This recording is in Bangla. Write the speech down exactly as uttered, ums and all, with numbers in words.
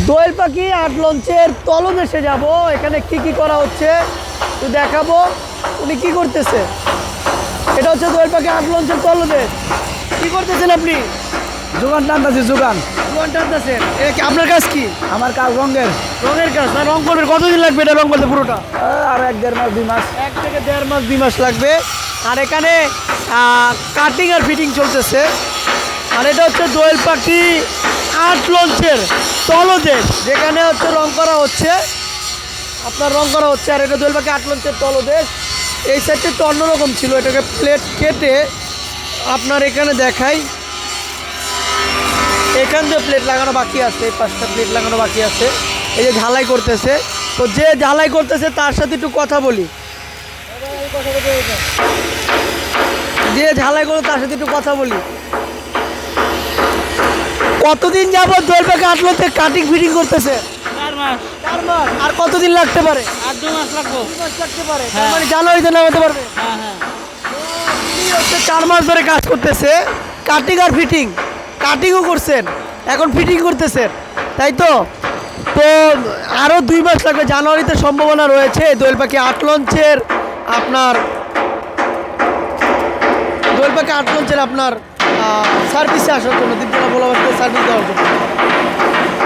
দোয়েল পাখি আট লঞ্চের তলদেশে যাব, এখানে কি কি করা হচ্ছে তো দেখাবো। উনি কি করতেছে, এটা হচ্ছে দোয়েল পাখি আট লঞ্চের তলদেশ। কি করতেছেন আপনি? যোগান টানতেছি যোগান। দোকান টানতেছেন, এটা কি আপনার কাজ? কি আমার কাজ রঙের। রঙের কাজ না? রং করবেন কতদিন লাগবে এটা রং করতে পুরোটা? আর এক দেড় মাস দুই মাস। এক থেকে দেড় মাস দুই মাস লাগবে। আর এখানে কাটিং আর ফিটিং চলতেছে। আর এটা হচ্ছে দোয়েল পাখি আট লঞ্চের তলদেশ, যেখানে হচ্ছে রং করা হচ্ছে, আপনার রং করা হচ্ছে। আর এটা দোয়েল পাখি আট লঞ্চের তলদেশ। এই সাইডটা একটু অন্যরকম ছিল, এটাকে প্লেট কেটে আপনার এখানে দেখাই। এখান দিয়ে প্লেট লাগানো বাকি আছে, এই পাঁচটা প্লেট লাগানো বাকি আছে। এই যে ঝালাই করতেছে, তো যে ঝালাই করতেছে তার সাথে একটু কথা বলি। যে ঝালাই করে তার সাথে একটু কথা বলি। কতদিন যাবত দোয়েল পাখি আট লঞ্চে কাটিং ফিটিং করতেছে? চার মাস। চার মাস। আর কতদিন লাগতে পারে? আর দু মাস লাগবো। দুই মাস লাগতে পারে। তার হ্যাঁ। মানে জানুয়ারিতে নামাতে পারবে। হ্যাঁ হ্যাঁ। তিনি হচ্ছে চার মাস ধরে কাজ করতেছে, কাটিং আর ফিটিং। কাটিংও করছেন, এখন ফিটিং করতেছেন, তাই তো? তো আরও দুই মাস লাগবে, জানুয়ারিতে সম্ভাবনা রয়েছে দোয়েল পাখি আট লঞ্চের আপনার দোয়েল পাখি আট লঞ্চের আপনার সার্ভিসে আসার জন্য, দীপজলা ভোলাবাসীতে সার্ভিস দেওয়ার জন্য।